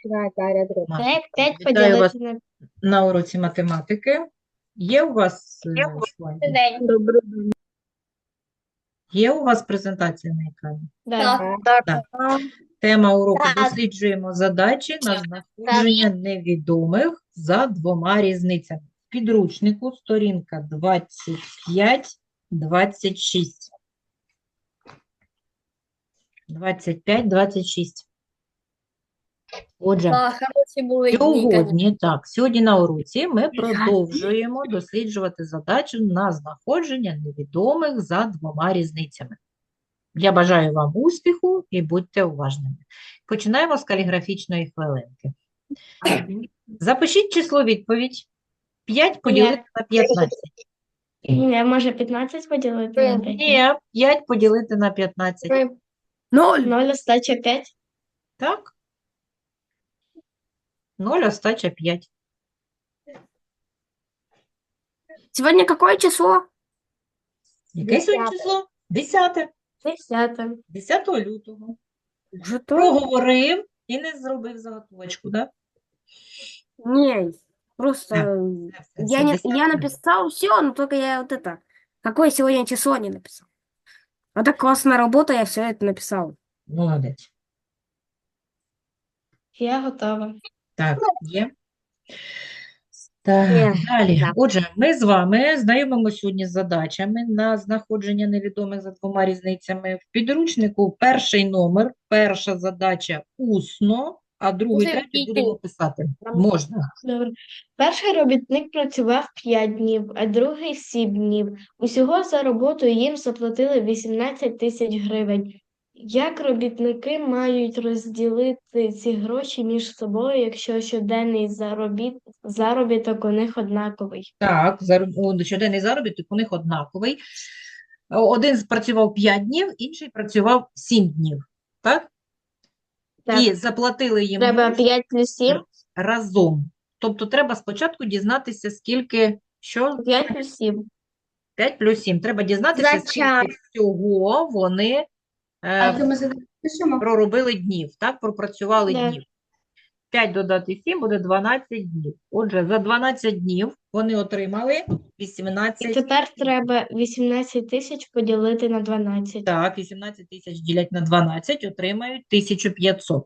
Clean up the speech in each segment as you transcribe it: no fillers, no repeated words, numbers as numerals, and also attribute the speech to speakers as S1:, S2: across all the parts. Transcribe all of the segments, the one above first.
S1: Маша,
S2: 5
S1: вітаю вас
S2: поділити на
S1: на уроці математики. Є у вас слайди?
S2: день.
S1: Є у вас презентація на екрані?
S2: Да.
S1: Так. Тема уроку:
S2: Так.
S1: досліджуємо задачі на
S2: Так.
S1: знаходження невідомих за двома різницями. В підручнику сторінка 25-26. 25-26. Отже,
S2: Хороші були дні,
S1: сьогодні на уроці ми продовжуємо досліджувати задачу на знаходження невідомих за двома різницями. Я бажаю вам успіху і будьте уважними. Починаємо з каліграфічної хвилинки. Запишіть число відповідь. 5 поділити на 15.
S2: Я може 15 поділити на 5?
S1: Ні, 5 поділити на 15.
S2: 0 остача 5.
S1: Так? 0 остача 5.
S3: Сегодня какое число?
S1: Яке сьогодні число? 10.
S2: 10.
S1: 10 лютого.
S3: Уже то?
S1: Проговорив і не зробив заготовочку, так?
S3: Не, просто
S1: Все,
S3: я
S1: 10.
S3: написал все, но только я вот это, какое сегодня число не написал. А так классная работа, я все это написал.
S1: Молодець.
S2: Я готова.
S1: Так, є. Так,
S3: Є,
S1: далі.
S3: да.
S1: Отже, ми з вами знайомимося сьогодні з задачами на знаходження невідомих за двома різницями. В підручнику перший номер, перша задача усно, а другу і
S2: Це
S1: третю
S2: і
S1: будемо
S2: ти.
S1: писати. Можна.
S2: Добре. Перший робітник працював 5 днів, а другий 7 днів. Усього за роботу їм заплатили 18 тисяч гривень. Як робітники мають розділити ці гроші між собою, якщо щоденний заробіток у них однаковий?
S1: Так, щоденний заробіток у них однаковий. Один працював 5 днів, інший працював 7 днів. Так?
S2: Так.
S1: І заплатили їм
S2: Треба
S1: гроші
S2: 5 плюс 7?
S1: разом. Тобто треба спочатку дізнатися, скільки, що?
S2: 5 плюс 7.
S1: 5 плюс 7. Треба дізнатися, скільки всього вони проробили днів, так? Пропрацювали
S2: Да.
S1: днів. 5 додати 7 буде 12 днів. Отже, за 12 днів вони отримали
S2: І
S1: 18.
S2: тепер треба 18 тисяч поділити на 12.
S1: Так, 18 тисяч ділять на 12, отримають 1500.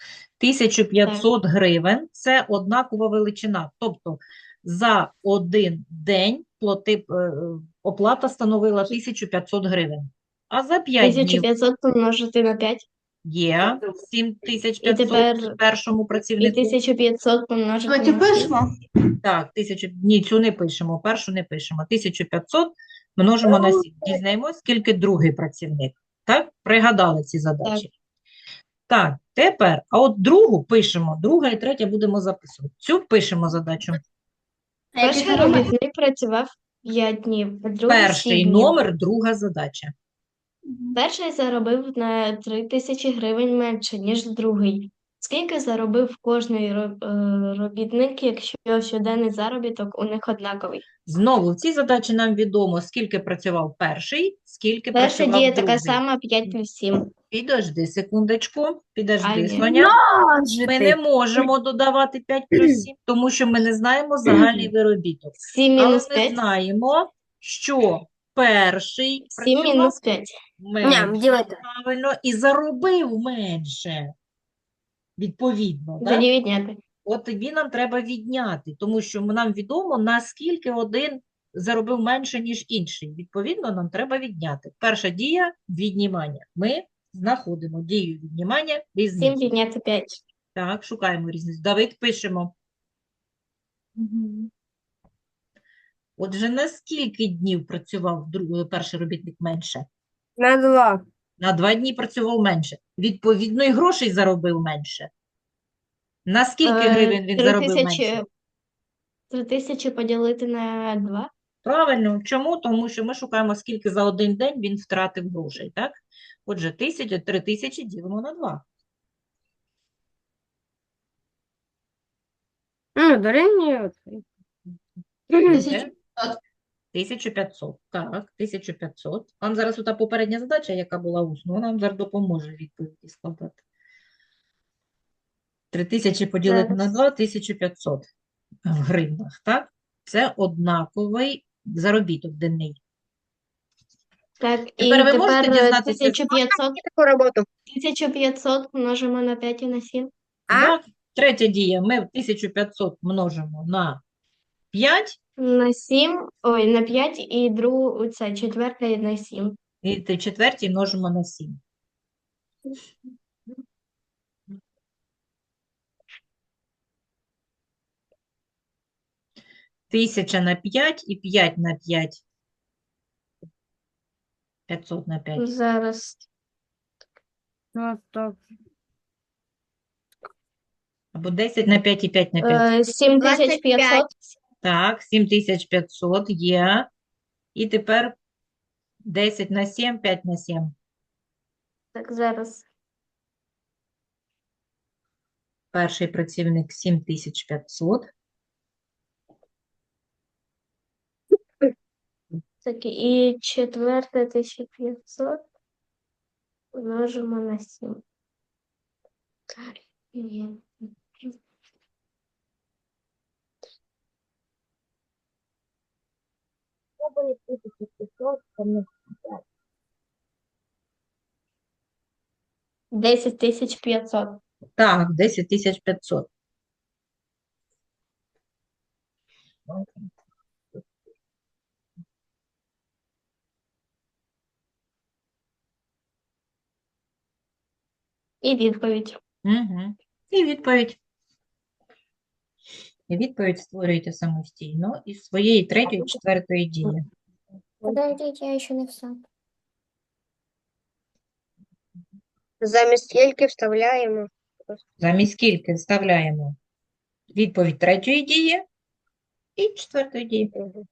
S1: 1500 гривень – це однакова величина. Тобто за один день оплата становила 1500 гривень. А за 5 днів
S2: 1500 помножити на 5.
S1: є
S2: І
S1: 7500
S2: тепер
S1: першому
S2: і
S1: працівнику.
S2: 1500 помножити на 6.
S1: Так, ні, цю не пишемо, першу не пишемо. 1500 множимо на 7. Дізнаємось, скільки другий працівник. Так? Пригадали ці задачі. Так, тепер, а от другу пишемо, друга і третя будемо записувати. Цю пишемо задачу.
S2: Перший робітник працював 5 днів, а другий 7
S1: Перший
S2: днів.
S1: номер, друга задача.
S2: Перший заробив на 3000 гривень менше, ніж другий. Скільки заробив кожний робітник, якщо щоденний заробіток у них однаковий?
S1: Знову в цій задачі нам відомо, скільки працював перший, скільки
S2: Перша
S1: працював
S2: дія
S1: другий.
S2: така сама 5 плюс 7.
S1: Підожди секундочку, підожди,
S2: А, ні.
S1: Соня.
S3: Може
S1: Ми
S3: ти.
S1: не можемо додавати 5 плюс 7, тому що ми не знаємо загальний виробіток.
S2: 7
S1: Але
S2: мінус
S1: ми
S2: 5.
S1: знаємо, що перший
S2: 7
S1: працював
S2: мінус 5.
S1: менше,
S3: делай так.
S1: правильно, і заробив менше, відповідно. Так?
S2: Тоді відняти.
S1: От тоді нам треба відняти, тому що нам відомо, наскільки один заробив менше, ніж інший. Відповідно, нам треба відняти. Перша дія – віднімання. Ми знаходимо дію віднімання
S2: 7
S1: різницю.
S2: відняти 5.
S1: Так, шукаємо різницю. Давид, пишемо. Отже, на скільки днів працював перший робітник менше?
S3: На 2.
S1: На 2 дні працював менше. Відповідно, і грошей заробив менше. На скільки гривень він заробив менше?
S2: 3000 поділити на 2.
S1: Правильно. Чому? Тому що ми шукаємо, скільки за один день він втратив грошей, так? Отже, 3000 ділимо на 2.
S3: Дорівнює.
S1: Буде 1500. Так, 1500. Вам зараз ота попередня задача, яка була усно, вона нам зараз допоможе відповіді складати. 3000 поділити на
S2: Зараз.
S1: 2 – 1500 в гривнах, так? Це однаковий заробіток денний.
S2: Так,
S1: Тепер
S2: і
S1: ви можете
S2: тепер
S1: дізнатися,
S2: 1500,
S3: Таку роботу.
S2: 1500 множимо на 5 і на 7.
S3: А?
S1: так? Третя дія. Ми 1500 множимо на 5,
S2: На 7, ой, на 5 і другу, це четверта і на 7.
S1: і в четвертій множимо на 7. Тисяча на 5 і 5 на 5. 500 на 5.
S2: Зараз.
S3: Ну, то
S1: Або 10 на 5 і 5 на 5.
S2: 7500.
S1: Так, 7500 є. І тепер 10 на 7, 5 на 7.
S2: Так, зараз.
S1: Перший працівник 7500.
S2: Так, і четверте 1500 множимо на 7. Ні. Десять тисяч 500.
S1: Так, 10500.
S2: І відповідь.
S1: Угу. І відповідь. І відповідь створюєте самостійно із своєї третьої, четвертої дії.
S3: подождіть, я ще не все.
S4: Замість скільки вставляємо?
S1: Замість скільки вставляємо відповідь третьої дії і четвертої дії.
S4: Мгм.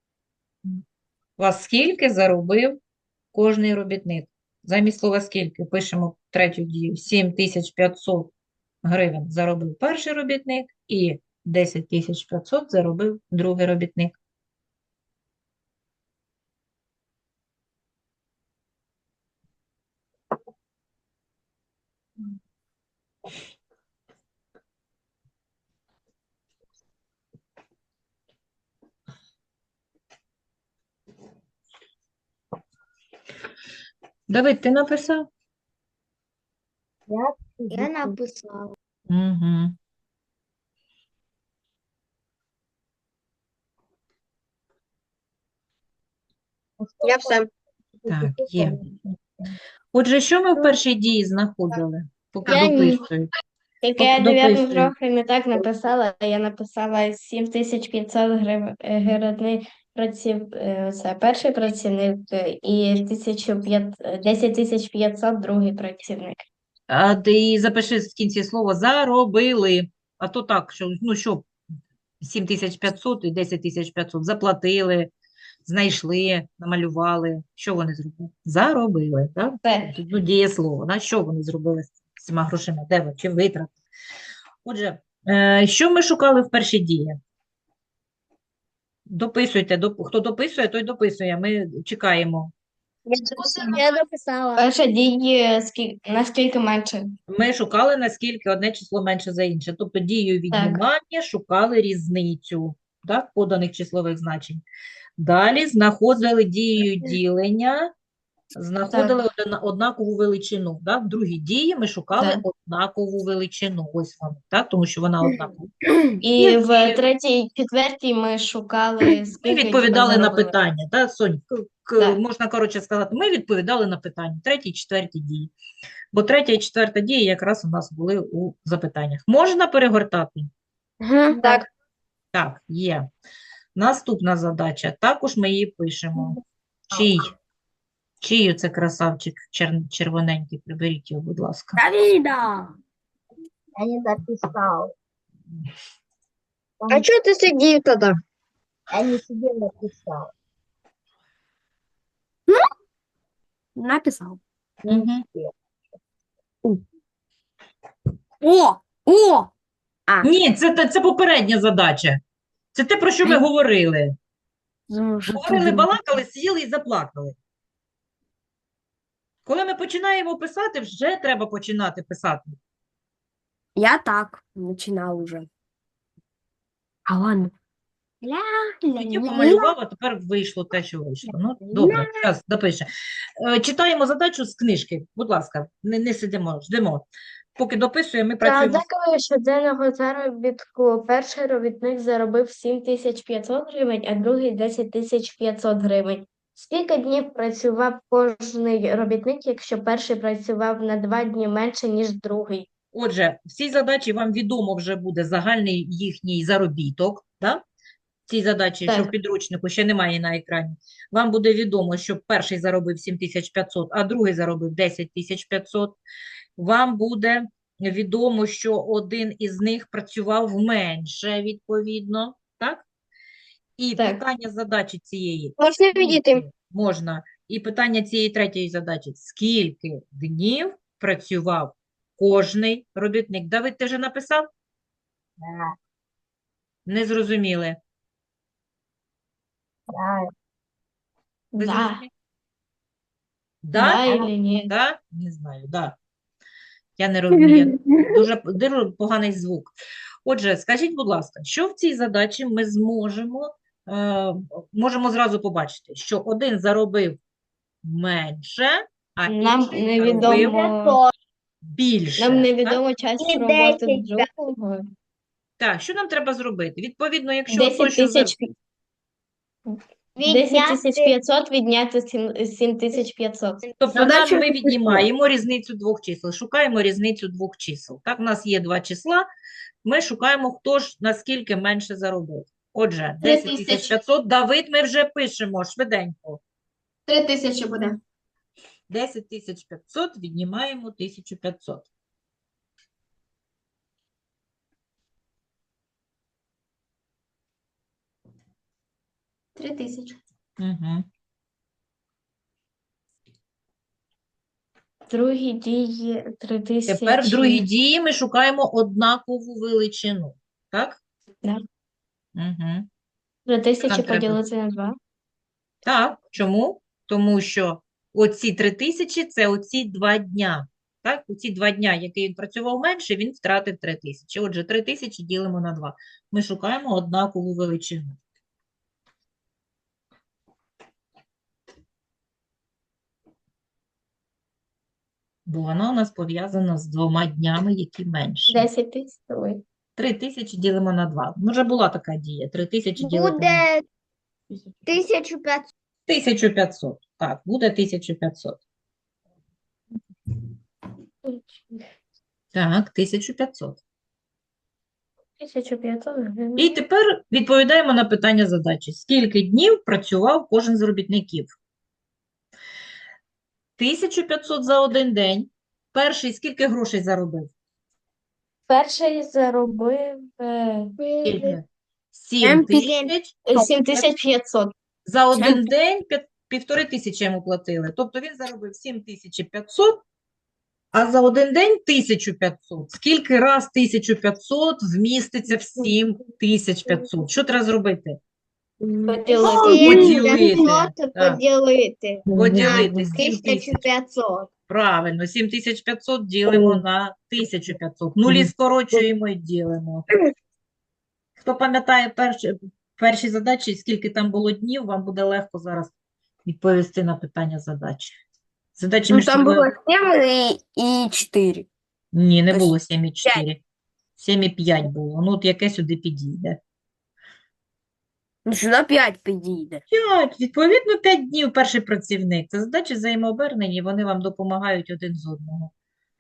S1: У вас скільки заробив кожний робітник? Замість слова скільки пишемо третю дію. 7500 гривень заробив перший робітник і 10500 заробив другий робітник. Давид, ти написав?
S2: Я написала.
S1: Угу.
S4: Я все.
S1: Так, є. Отже, що ми в першій дії знаходили, поки
S2: Я ні.
S1: дописують?
S2: Тільки я дев'яту
S1: Дописую.
S2: трохи не так написала. Я написала 7500 гривень це перший працівник і 10500 другий працівник.
S1: А ти запиши в кінці слово заробили. А то так, що, ну що, 7500 і 10500 заплатили, знайшли, намалювали. Що вони зробили? Заробили, так?
S2: Це
S1: Тут, ну, дієслово. На що вони зробили з цими грошима? Де ви? Чи витратили? Отже, що ми шукали в першій дії? Дописуйте. Хто дописує, той дописує. Ми чекаємо.
S4: Я написала.
S2: перша дія наскільки менше.
S1: Ми шукали, наскільки одне число менше за інше. Тобто дією віднімання шукали різницю, так, поданих числових значень. Далі знаходили дією ділення, знаходили однакову величину. Так? В другій дії ми шукали
S2: Так.
S1: однакову величину. Ось вона, так? Тому що вона однакова.
S2: І в третій, четвертій ми шукали,
S1: Ми
S2: скільки
S1: відповідали на
S2: заробили.
S1: питання. Так, Сонь,
S2: Так.
S1: можна коротше сказати, ми відповідали на питання. Третій, четвертій дії. Бо третя і четверта дії якраз у нас були у запитаннях. Можна перегортати?
S2: Так.
S1: Так, є. Наступна задача. Також ми її пишемо. Чий це красавчик червоненький? Приберіть його, будь ласка.
S3: Давіда!
S4: Я не написав. А чого ти сидів тоді? Я не сидів, написав.
S3: Написав.
S1: Мгм.
S3: О!
S1: Ні, це попередня задача. Це те, про що ми говорили. Говорили, балакали, сіли і заплакали. Коли ми починаємо писати, вже треба починати писати.
S3: Я так начинал уже. А ладно.
S1: Я помалював, а тепер вийшло те, що вийшло. Ну, добре, зараз допише. Читаємо задачу з книжки. Будь ласка, не сидимо, ждемо. Поки дописуємо, ми
S2: За
S1: працюємо.
S2: ознакою щоденного заробітку перший робітник заробив 7500 гривень, а другий 10500 гривень. Скільки днів працював кожний робітник, якщо перший працював на 2 дні менше, ніж другий?
S1: Отже, в цій задачі вам відомо вже буде загальний їхній заробіток. Да? В цій задачі, що в
S2: Так.
S1: підручнику ще немає на екрані. Вам буде відомо, що перший заробив 7500, а другий заробив 10500. Вам буде відомо, що один із них працював менше, відповідно. Так? І
S2: Так.
S1: питання задачі цієї.
S2: Можна
S1: скільки можна. І питання цієї третьої задачі. Скільки днів працював кожний робітник? Давид, ти вже написав? Не зрозуміли. Ви
S2: Да.
S1: зрозуміли?
S2: Да
S1: Да?
S2: или ні?
S1: Да? Не знаю, да. Я не розумію. Дуже поганий звук. Отже, скажіть, будь ласка, що в цій задачі ми можемо зразу побачити, що один заробив менше, а
S2: Нам
S1: інший заробив
S2: невідомо,
S1: більше.
S2: нам
S1: Так?
S2: невідомо час
S4: І
S2: роботи
S4: 10
S2: другого.
S1: Так, що нам треба зробити? Відповідно, якщо
S2: 10
S1: той, що
S2: тисяч 10500 відняти 7500.
S1: Тобто
S3: Задача
S1: ми
S3: не
S1: віднімаємо різницю двох чисел, шукаємо різницю двох чисел. Так, у нас є два числа, ми шукаємо, хто ж наскільки менше заробив. Отже, 10500. Давид, ми вже пишемо швиденько.
S5: 3000 буде.
S1: 10500 віднімаємо 1500.
S5: — 3000.
S1: Угу.
S2: Другі дії 3000.
S1: Тепер в другій дії ми шукаємо однакову величину. Так?
S2: Да.
S1: Угу.
S2: 3000
S1: Нам треба.
S2: поділити на 2.
S1: Так, чому? Тому що оці 3000 – це оці 2 дня. Так, оці 2 дня, які він працював менше, він втратив 3000. Отже, 3000 ділимо на 2. Ми шукаємо однакову величину. Бо вона у нас пов'язана з 2 днями, які менші.
S2: 10 тисяч. Ой.
S1: 3000 ділимо на 2. Ну, вже була така дія. 3000 ділити на
S4: Буде 1500.
S1: 1500. Так, буде 1500. Так, 1500.
S2: 1500 гривень.
S1: І тепер відповідаємо на питання задачі. Скільки днів працював кожен з робітників? 1500 за один день. Перший скільки грошей заробив?
S2: Перший заробив
S1: Скільки?
S3: 7
S1: 7000.
S2: 7500.
S1: За один день 1500 йому платили. Тобто він заробив 7500, а за один день 1500. Скільки раз 1500 вміститься в 7500? Що треба зробити?
S2: Поділити.
S1: Поділити. Так.
S4: Поділити.
S1: Поділити 7500.
S4: 1500.
S1: Правильно, 7500 ділимо на 1500. Нулі скорочуємо і ділимо. Хто пам'ятає перші задачі, скільки там було днів, вам буде легко зараз відповісти на питання задачі. Задачі
S3: Ну,
S1: між
S3: там
S1: собою...
S3: было 7 и 4.
S1: Ні, не
S3: Тобто
S1: було 7,4. 7,5 було. Ну, от яке сюди підійде.
S3: Ну, сюда 5 підійде.
S1: 5. Відповідно, 5 днів перший працівник. Це задачі взаємообернені, вони вам допомагають один з одного.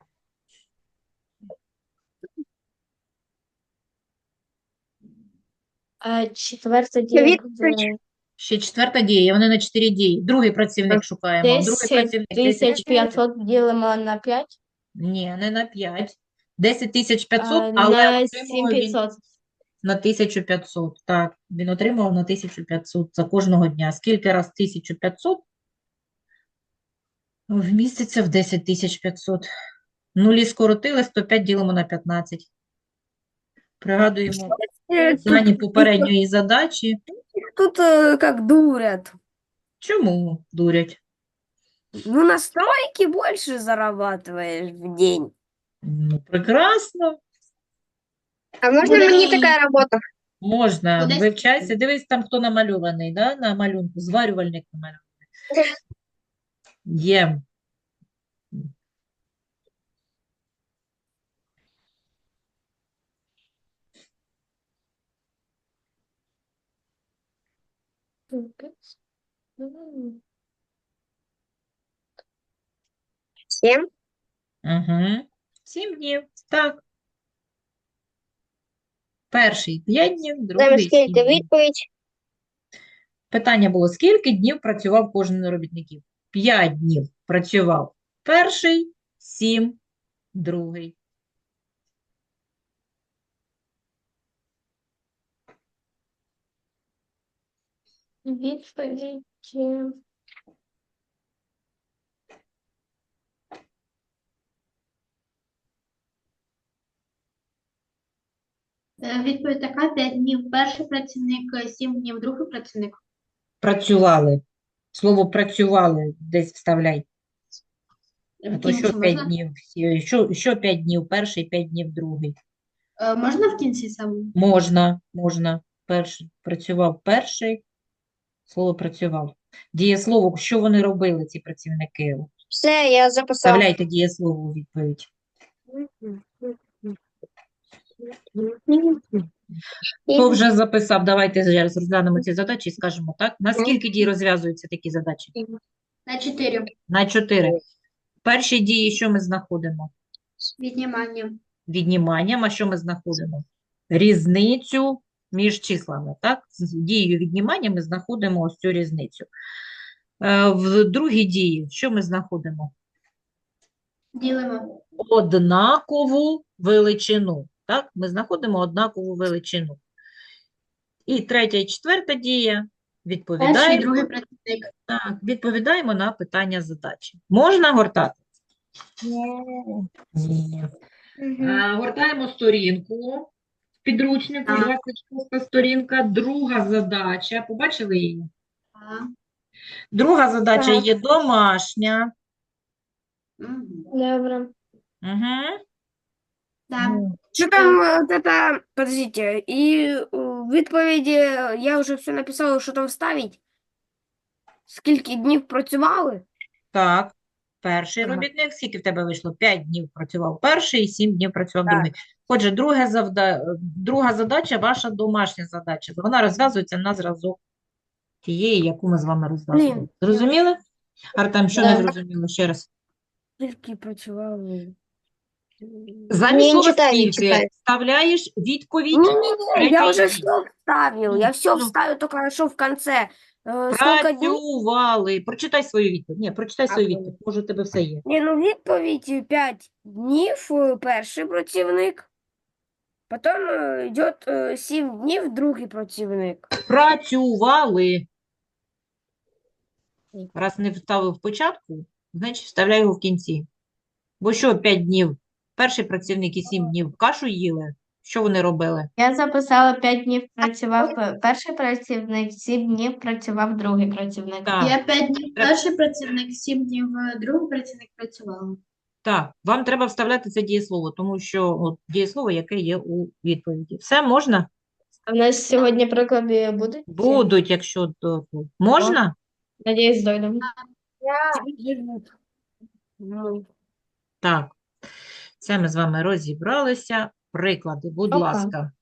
S2: А четверта дія буде
S1: Ще четверта дія, вони на 4 дії. Другий працівник шукаємо. Другий
S2: 10
S1: працівник
S2: 500 ділимо на 5,
S1: Ні, не на 5. 10500, але
S2: на
S1: отримував він
S2: 7500.
S1: на 1500. Так, він отримував на 1500 за кожного дня. Скільки раз 1500 вміститься в 10500? Нулі скоротили, 105 ділимо на 15. Пригадуємо дані попередньої задачі.
S3: Тут как дурят.
S1: Чому дурять?
S3: Ну, на стройке больше зарабатываешь в день.
S1: Ну, прекрасно.
S4: А можно
S5: Буде
S4: мне
S5: і-
S4: такая работа?
S1: Можна,
S5: Буде
S1: вивчайся. Дивись там, хто намальований, да? На малюнку. Зварювальник намальований. Є.
S4: Всем?
S1: Угу. 7 днів. Так. Перший 5 днів,
S4: Там
S1: другий 7
S4: скільки
S1: днів.
S4: відповідь?
S1: Питання було, скільки днів працював кожен з робітників? 5 днів працював перший, 7 другий.
S2: Відповідь.
S5: Відповідь така: 5 днів перший працівник, 7 днів другий працівник.
S1: Працювали. Слово працювали десь вставляй. А
S5: В
S1: то що
S5: кінці
S1: 5
S5: можна?
S1: днів? Що 5 днів перший, 5 днів другий?
S5: Можна в кінці саме?
S1: Можна. Перший. Працював перший. Слово працював. Дієслово, що вони робили, ці працівники?
S4: Все, я записав.
S1: Вставляйте дієслово у відповідь. Хто вже записав? Давайте зараз розглянемо ці задачі і скажемо так. На скільки дій розв'язуються такі задачі?
S5: На 4.
S1: На 4. В першій дії що ми знаходимо?
S5: Віднімання.
S1: Відніманням. А що ми знаходимо? Різницю між числами. Так? З дією віднімання ми знаходимо ось цю різницю. В другій дії що ми знаходимо?
S5: Ділимо.
S1: Однакову величину. Так? Ми знаходимо однакову величину. І третя і четверта дія
S5: Перший і
S1: відповідаємо.
S5: другий працівник.
S1: Так, відповідаємо на питання задачі. Можна гортати? Ні. Гортаємо сторінку. В підручнику
S5: Так.
S1: 26 сторінка. Друга задача. Побачили її?
S5: Так.
S1: Друга задача
S2: Так.
S1: є домашня.
S5: Мгм.
S2: Добре.
S1: Угу.
S5: Так.
S3: Что там вот это, подождите, и в відповіді я вже все написала, що там вставить. Скільки днів працювали?
S1: Так. Перший
S3: Ага.
S1: робітник, скільки в тебе вийшло? 5 днів працював перший і 7 днів працював
S3: Так.
S1: другий. Отже, друга задача, ваша домашня задача. Вона розв'язується на зразок тієї, яку ми з вами розв'язували.
S3: Блін.
S1: Зрозуміли? Артем, що не
S2: Да.
S1: зрозуміло? Ще раз.
S3: Скільки працювали?
S1: Замість
S4: Не
S1: слова
S4: читаю, не
S1: «скільки»
S4: читаю.
S1: вставляєш відповідь.
S3: Не-не-не, я
S1: третьої
S3: уже
S1: дії.
S3: все вставил, я все
S1: ну.
S3: вставил, только что в конце. Сколько дней?
S1: Працювали. Прочитай свою відповідь. Ні, прочитай свою
S3: Ага.
S1: відповідь. Може, у тебе все є.
S3: Не, ну відповідь 5 днів перший працівник, потім йде 7 днів другий працівник.
S1: Працювали. Раз не вставив в початку, значить вставляй його в кінці. Бо що 5 днів? Перший працівник і 7 днів кашу їли? Що вони робили?
S2: Я записала 5 днів працював перший працівник, 7 днів працював другий працівник.
S1: Так.
S5: Я 5 днів перший працівник, 7 днів другий працівник працювала.
S1: Так, вам треба вставляти це дієслово, тому що от, дієслово, яке є у відповіді. Все можна?
S2: А в нас сьогодні приклади будуть?
S1: Будуть, якщо можна?
S2: Надіюсь, дойдемо.
S3: Ну,
S1: Так. Це ми з вами розібралися. Приклади, будь
S2: Опа.
S1: ласка.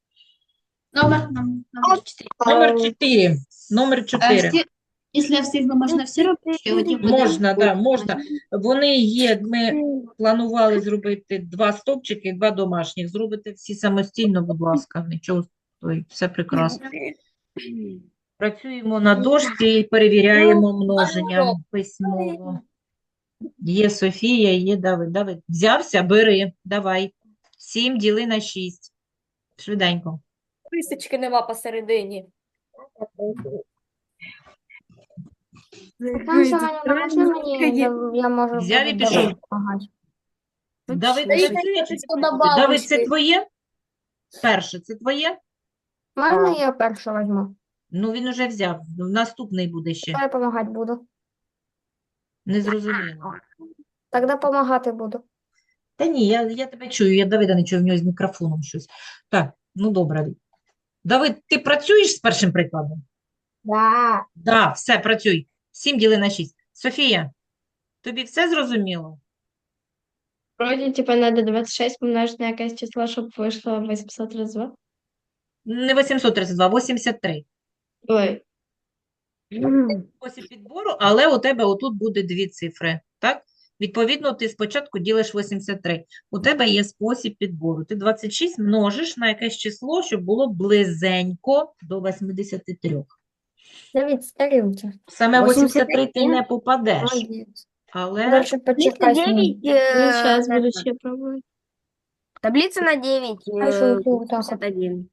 S5: Номер 4.
S1: Номер 4. Номер 4.
S5: Якщо встигну, можна всі робити? Чи одні буде?
S1: Можна, да, можна. Вони є, ми планували зробити 2 стовпчики, 2 домашніх. Зробите всі самостійно, будь ласка. Нічого, ой, все прекрасно. Працюємо на дошці і перевіряємо множенням письмово. Є Софія, є Давид. Давид, взявся, бери, давай. 7 діли на 6. Швиденько.
S6: Рисочки нема посередині.
S2: Я можу
S1: Взяв і пішов. Давид, Давид, це твоє? Перше, це твоє?
S2: Можна я першу візьму?
S1: Ну, він уже взяв. Наступний буде ще.
S2: Я допомагати буду.
S1: Не зрозуміло.
S2: Тоді допомагати буду.
S1: Та ні, я тебе чую, я Давида не чую, в нього з мікрофоном щось. Так, Ну, добре. Давид, ти працюєш з першим прикладом?
S4: Да.
S1: Да, все, працюй. 7 діли на 6. Софія, тобі все зрозуміло?
S2: Вроді, типа, надо 26 помножити на якесь число, щоб вийшло 832.
S1: Не 832, 83.
S2: Ой,
S1: Спосіб підбору, але у тебе отут буде дві цифри, так? Відповідно, ти спочатку ділиш 83. У тебе є спосіб підбору. Ти 26 множиш на якесь число, щоб було близенько до 83.
S6: Давид, старился.
S1: Саме 83 ти
S3: 81?
S1: не попадеш,
S6: Молодец.
S1: але
S6: Дальше почекай с ним.
S3: 9,
S2: ну, зараз буду ще пробувати.
S3: таблица на 9,
S6: Дальше вот так вот.
S3: 81.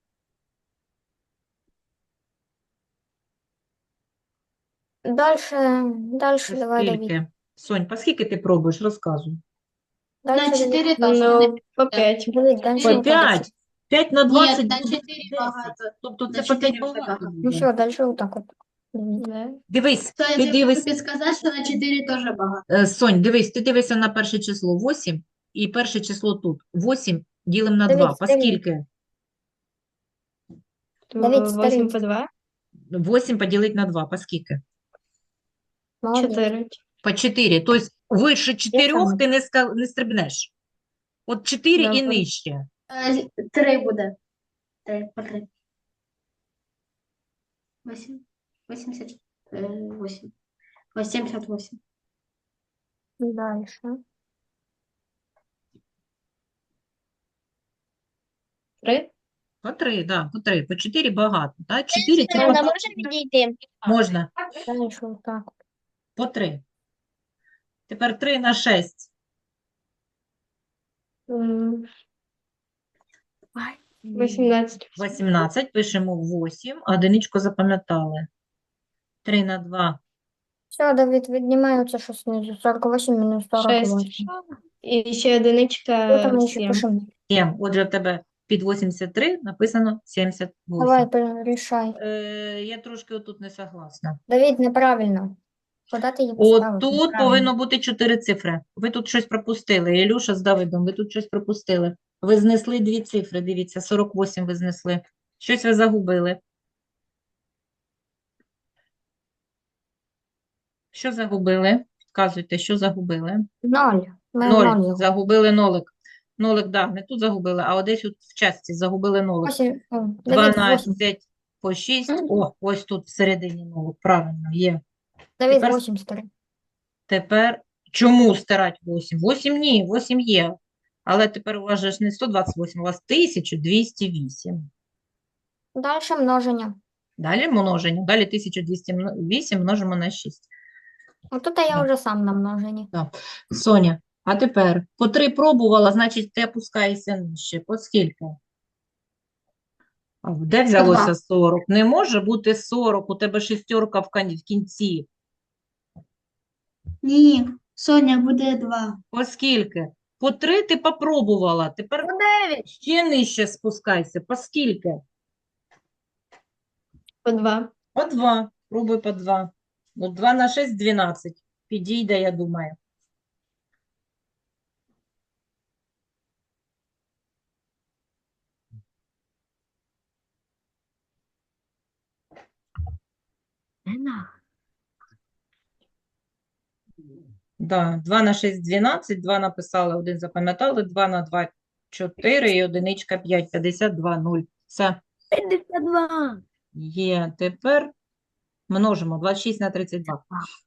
S6: Дальше давай, Давид.
S1: скільки? Сонь, по скільки ти пробуєш? Розказуй.
S5: На
S6: Дальше, Давид.
S5: 4 теж не
S2: Ну, по 5.
S6: Давид, дальше
S1: По
S6: вот так.
S1: 5. 5 на
S5: Ні,
S1: 20
S5: на
S1: буде
S5: 4
S1: 10.
S5: багато.
S1: Тобто
S5: На
S1: це по
S5: 4
S1: 5 багато
S5: багато.
S6: Ну
S1: буде.
S6: все, дальше вот так вот. Давид.
S2: Да.
S1: Дивись,
S5: То
S1: ти
S5: я можу
S1: дивись.
S5: підсказати, що на 4 теж багато.
S1: Сонь, дивись, ти дивишся на перше число 8 і перше число тут. 8 ділимо на
S6: Давид,
S1: 2. По
S6: старий.
S1: скільки?
S2: То
S6: Давид,
S2: 8
S6: старий.
S2: по 2?
S1: 8 поділити на 2. По скільки?
S6: Молодец.
S2: 4.
S1: По 4. Тобто вище 4
S6: саме.
S1: ти не стрибнеш. От 4 і
S2: Добре.
S1: нижче.
S5: 3 буде. 3 по 3. 8. 88. 78.
S6: Дальше.
S2: Три?
S1: По 3, да, по 3. По 4 багато. Да? 4 це
S4: Вона
S1: по...
S4: може відійти?
S1: можна.
S6: Дальше вот так вот.
S1: По 3. Тепер 3 на 6.
S2: М, 18.
S1: 18. Пишемо 8. Одиничку запам'ятали. 3 на 2.
S6: Все, Давид, віднімається, що знизу. 48 мінус 48.
S2: 6. І ще одиничка
S6: Тут ми ще
S2: 7.
S6: пишемо.
S1: 7. Отже, в тебе під 83 написано 78.
S6: Давай, рішай.
S1: Я трошки отут не согласна.
S6: Давид, неправильно. Куди ти її поставив?
S1: Отут
S6: Неправильно.
S1: повинно бути 4 цифри. Ви тут щось пропустили. Ілюша з Давидом, ви тут щось пропустили. Ви знесли 2 цифри, дивіться, 48 ви знесли. Щось ви загубили. Що загубили? Підказуйте, що загубили.
S6: 0. Ми
S1: 0.
S6: 0.
S1: Загубили нолик. Нолик, да, не тут загубили, а десь тут в частці загубили нолик.
S6: 8. Давид, 8.
S1: 12 по 6. О, ось тут всередині нолик. Правильно, є.
S6: Давид,
S1: Тепер
S6: 8 старий.
S1: Тепер чому стирати 8? 8 ні, 8 є. Але тепер у вас же ж не 128, у вас 1208.
S6: Дальше множення.
S1: Далі множення. Далі 1208 множимо на 6.
S6: Отут я вже сам на множенні.
S1: Соня, а тепер по 3 пробувала, значить ти опускаєшся нижче. По скільки? А де взялося 40? Не може бути 40, у тебе шістерка в кінці.
S5: Ні, Соня, буде 2.
S1: По скільки? По 3 ти попробувала, тепер
S3: 9.
S1: ще нижче спускайся. По скільки?
S2: По 2.
S1: По 2. Пробуй по 2. Ну, 2 на 6 – 12. Підійде, я думаю. Да, 2 на 6 – 12, 2 написали, 1 запам'ятали, 2 на 2 – 4 і одиничка 5, 52, 0. Все,
S3: 52.
S1: є. Тепер множимо 26 на 32.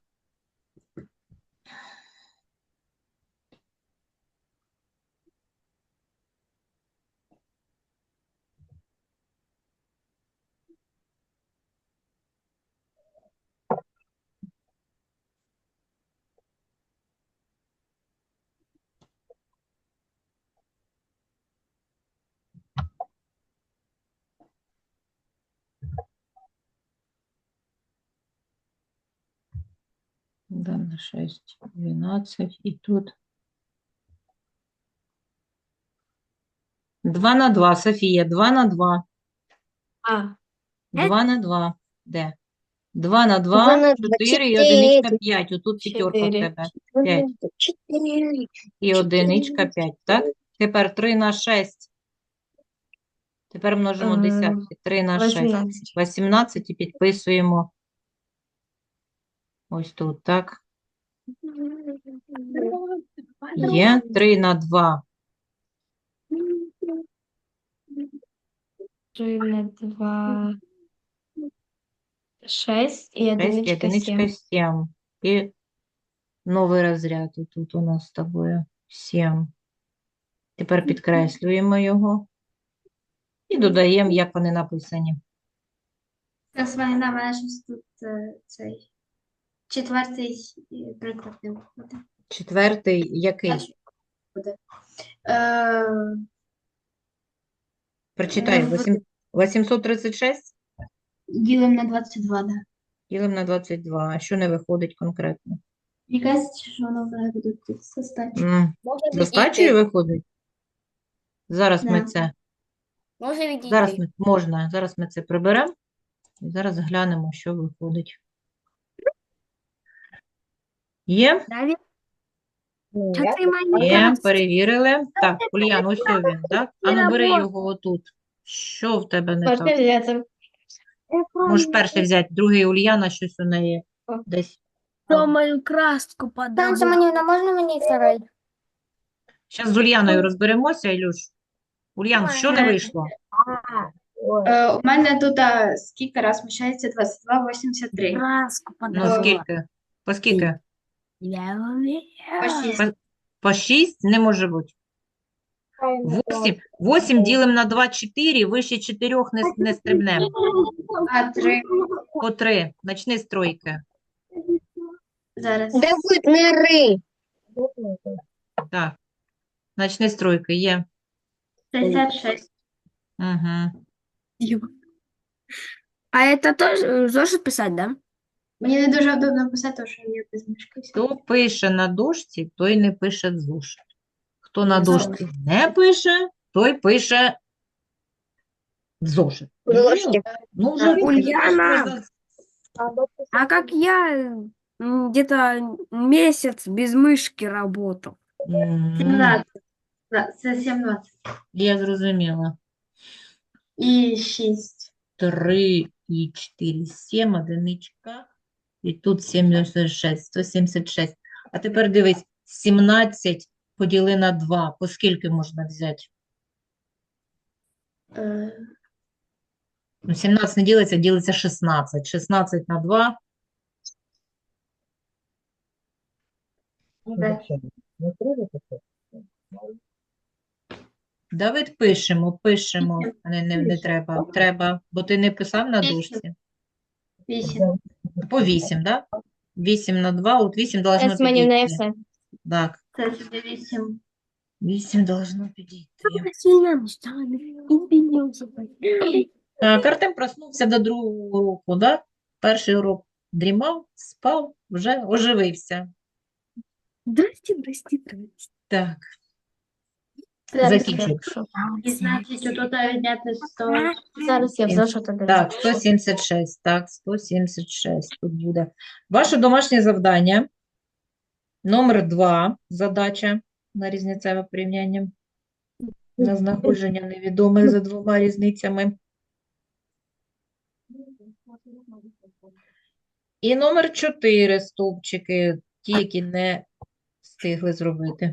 S1: Да, на 6, 12 і тут. 2 на 2, Софія, 2 на 2.
S2: А.
S1: 2 на 2. Де? 2 на 2,
S6: 2 на 2,
S1: 4 і одиничка
S6: 4.
S1: 5. Отут п'ятерка в
S2: 4.
S1: тебе. 5
S6: 4.
S1: і одиничка 5, так? Тепер 3 на 6. Тепер множимо десятки. 3 на 6.
S2: 18.
S1: 18 і підписуємо ось тут, так? Є 3 на 2.
S2: 3 на 2, 6 і
S1: 6 і
S2: одиничка
S1: одиничка
S2: 7.
S1: 7. І новий розряд тут у нас з тобою 7. Тепер підкреслюємо його і додаємо, як вони написані.
S5: Це звайна межність тут цей четвертий приклад не виходить.
S1: Четвертий який?
S5: Перший буде. Е,
S1: Прочитай.
S5: в-
S1: 836
S5: Ділимо на 22, да.
S1: ділимо на 22. А що не виходить конкретно?
S5: Якась, що воно буде тут составити.
S4: Може
S1: З остачею
S4: відійти.
S1: виходить? Зараз ми
S5: Да.
S1: це,
S4: Може
S1: зараз
S4: відійти.
S1: можна, зараз ми це приберемо і зараз глянемо, що виходить. Є?
S3: Давид,
S4: Ну,
S3: що
S4: я
S3: ти мені
S1: Є,
S3: кажеш?
S1: перевірили. Так, Ульян, ось він, так? А ну бери
S3: робота.
S1: його отут. Що в тебе не
S2: Можна
S1: так?
S2: взяти.
S1: Можеш перший взяти, другий Ульяна, щось у неї десь.
S3: Хто мою краску
S6: Сан
S3: подав?
S6: Семенівна, можна мені второй?
S1: Зараз з Ульяною розберемося, Ілюш. Ульян, що не вийшло?
S5: У мене тут скільки раз вміщається 22,83.
S3: Краску
S1: Ну,
S3: подав.
S1: скільки? По скільки?
S3: Я вмію.
S5: По 6.
S1: По 6 не може бути. 8 ділимо на 2 – 4, вище 4 не стрибнемо.
S5: А 3.
S1: По 3. Начни з тройки.
S5: Зараз.
S4: Де будуть мири?
S1: Так. Начни з тройки. Є.
S5: 66.
S1: Угу.
S3: А это тоже зошит писать, да?
S5: Мені не дуже удобно писати, тому що я без мишки.
S1: Хто пише на дошці, той не пише в зошит. Хто на дошці не пише, той пише в зошит.
S4: Зошитик.
S1: Ну, вже
S3: Ульяна. А как я где-то месяц без мышки работал.
S5: 17. Да, це 17.
S1: Я зрозуміла.
S5: І 6.
S1: 3 і 4, 7, одиничка. І тут 76, 176. А тепер дивись, 17 поділи на 2. По скільки можна взяти? Ну, 17 не ділиться, ділиться 16. 16 на 2. Давид, пишемо. А не треба. Треба, бо ти не писав на дошці.
S5: 8.
S1: По 8, так? 8 на 2, от 8 должно
S2: Семенівна, я
S1: підійти.
S2: все.
S1: Так,
S5: Це буде 8.
S1: 8 должно підійти.
S3: Сильно мечтала, извините.
S1: Так, Артем проснувся до другого уроку, да? Перший урок дрімав, спав, вже оживився.
S3: Здрасте, здрасте, здрасте.
S1: Так,
S5: Зараз.
S1: закінчуй.
S5: І значить, отут відняти 100.
S2: Зараз я в зошит додам.
S1: Так, 176, так, 176 тут буде. Ваше домашнє завдання, номер 2, задача на різницеве порівняння, на знаходження невідомих за двома різницями. І номер 4 стовпчики, ті, які не встигли зробити.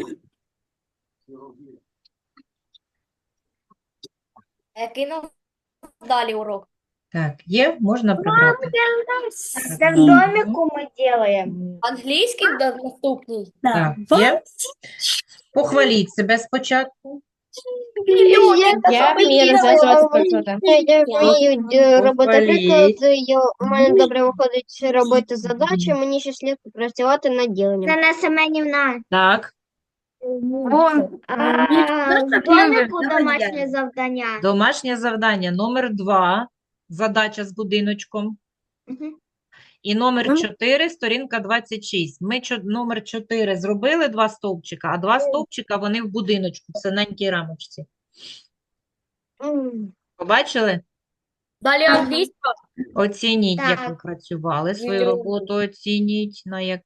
S4: Який нам далі урок?
S1: Так, є, можна прибрати.
S4: Це в домику ми робимо. Англійський наступний.
S1: Так, є. Похваліть себе спочатку.
S2: Я вмію розв'язувати приклади.
S4: Я вмію робити
S1: Похваліть.
S4: приклади, у мене добре виходить робити задачі, мені ще слід працювати над діленням.
S2: Це Семенівна.
S1: Так,
S2: В домику домашнє завдання.
S1: домашнє завдання номер 2, задача з будиночком. І номер 4, сторінка 26. Ми номер 4 зробили 2 стовпчика, а 2 стовпчика вони в будиночку, в синенькій рамочці. Побачили?
S4: Далі англійська.
S1: Оцініть, як ви
S2: Так.
S1: працювали, свою роботу оцініть, на як